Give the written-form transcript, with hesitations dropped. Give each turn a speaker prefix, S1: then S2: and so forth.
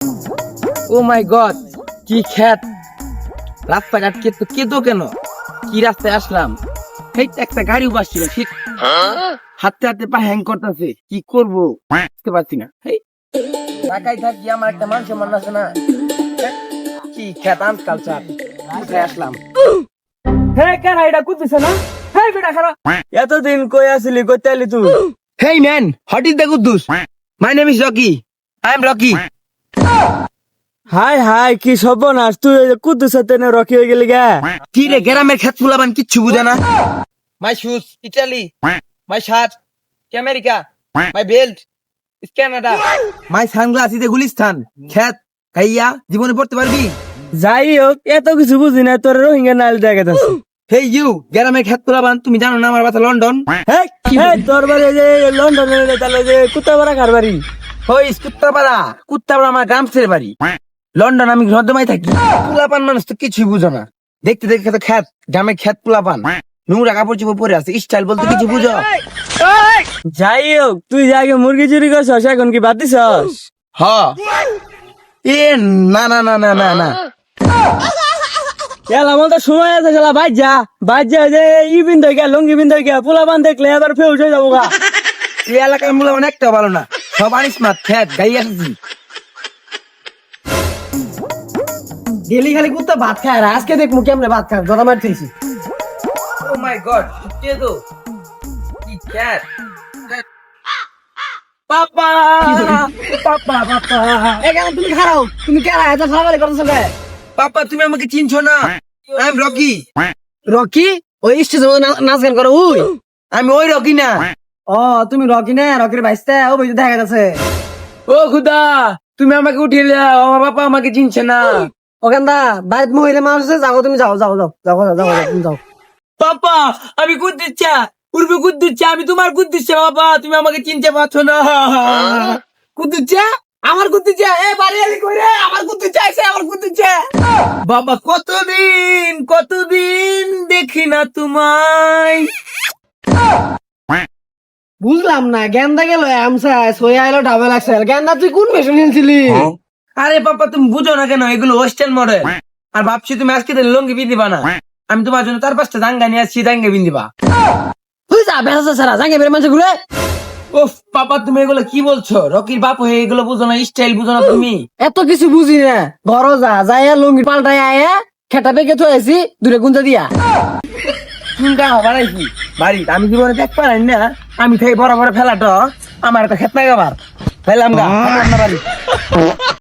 S1: ও মাই god, কি খ্যাত! রাস্তাঘাট কেতো কেন? কি রাস্তায় আসলাম? এই তো একটা গাড়ি বাসছিল, ঠিক হাতে হাতে পা হ্যাং করতেছে। কি করবো বুঝতে পারছি না। এই ঢাকায় থাকি, আমার একটা মান সম্মান আছে না? কি খ্যাত কালচার! কোথায় আসলাম?
S2: হ্যাঁ কেন এটা কুদছে না? হ্যাঁ বেটা খারাপ, এতদিন কই আসলি, কইতে আলি তুই?
S1: Hey man, what is the Kuddus? My name is Rocky. I am Rocky.
S2: Hi hi, কি সর্বনাশ! তুই কুদুস তেনে রকি হয়ে গেলি গা?
S1: কি রে, গ্রামের খেত ফুলাবান কিচ্ছু বুঝে না। My shoes, Italy. My shirt, America. My belt, is Canada. My sunglass is Gulistan. খেত খাইয়া জীবনে পড়তে পারবি?
S2: যাই হোক, এত কিছু বুঝি না, তোর রোহিঙ্গা নাইল দেখা যাচ্ছে।
S1: Hey you, গ্রামের খেত ফুলাবান, তুমি জানো না আমার বাসা লন্ডন?
S2: হ্যাঁ তোর বাড়ি যে লন্ডনে, তাহলে যে কুত্তাপাড়া কার বাড়ি?
S1: হই কুত্তাপাড়া, কুত্তাপাড়া আমার গ্রাম ছেড়ে বাড়ি। লন্ডন আমি নর্দমায় থাকি। পোলাপান মানুষ তো কিছুই বুঝো না। দেখতে দেখতে তো খেত, গ্রামের খেত পোলাপান নোংরা কাপড় চোপড় পরে আছে, স্টাইল বলতে কিছু বুঝো?
S2: যাই হোক, তুই যে আগে মুরগি চুরি করছস, এখন কি বাদ দিছস?
S1: হ এ না না না না না না
S2: এলা আমার তো সময় আছে, শালা বাইর যা যে ইবিন ধরে গিয়া লঙ্গি বিন ধরে গিয়া পোলাপান দেখলে এবার ফেউস হয়ে যাবো গা।
S1: এই এলাকার মূল্য অনেকটা ভালো না, সব আনিস মাত খেত গাই আসছি।
S2: ডেলি খালি কুত্তা ভাত খায়, আর আজকে দেখবো কেমনে ভাত খায়, জড়া মারতেছি।
S1: ও মাই গড, কে তো কি খেত!
S2: পাপা পাপা পাপা, এখানে তুমি খারাও, তুমি কেরা এত ফালাফালি করতেছো কে?
S1: পাপা তুমি আমাকে চিনছো না? I am Rocky.
S2: রকি? ওই স্টেজে নাচ গান করো ওই?
S1: আমি ওই রকি না।
S2: ও তুমি রকি না, রকির ভাইস্তা, ও বইতে দেখা যাচ্ছে।
S1: ও খুদা, তুমি আমাকে উঠিয়ে দাও, আমার বাবা আমাকে চিনছে না।
S2: ওখানটা বাইরে মহিলা মানুষ আছে, যাও তুমি, যাও যাও যাও যাও যাও যাও তুমি যাও।
S1: পাপা আমি কুদ্দুচ্ছা, উর্বি কুদ্দুচ্ছা, আমি তোমার কুদ্দুচ্ছা। বাবা তুমি আমাকে চিনতে পারছো না।
S2: কুদ্দুচ্ছা? আমার কুদ্দুচ্ছা? এ বাড়ি আলি কই রে? আমার কুদ্দুচ্ছা আইছে, আমার কুদ্দুচ্ছা।
S1: বাবা কতদিন কতদিন দেখি না তোমায়।
S2: বুঝলাম না, গেন্দা গেল আমসা, সোয়া এলো ডাবল এক্সেল। গেন্দা তুই কোন মেশিন নিয়েছিলি?
S1: আরে পাপা তুমি বুঝো না কেন, এগুলো ওয়েস্টার্ন মডেল। আর ভাবছি তুমি আজকে দিন লুঙ্গি বিন্দিবা না, আমি তোমার জন্য তার পাঁচটা জাঙ্গা নিয়ে আসছি, জাঙ্গা বিন্দিবা।
S2: তুই যা বেসা সারা জাঙ্গে বের মানুষ ঘুরে।
S1: ওফ পাপা তুমি এগুলো কি বলছো? রকির বাপ হয়ে এগুলো বুঝো না, স্টাইল বুঝো না তুমি?
S2: এত কিছু বুঝি না, ঘর যা যাইয়া লুঙ্গি পাল্টাই আয়া খেটা পেকে তো আইছি দূরে গুঞ্জা দিয়া।
S1: চিন্তা বাড়াইছি বাড়ি, আমি জীবনে দেখ পারাই না। আমি থেকে বড় বড় ফেলাটো আমার একটা খেত নাই, আবার ফেলাম গা আমার না বাড়ি।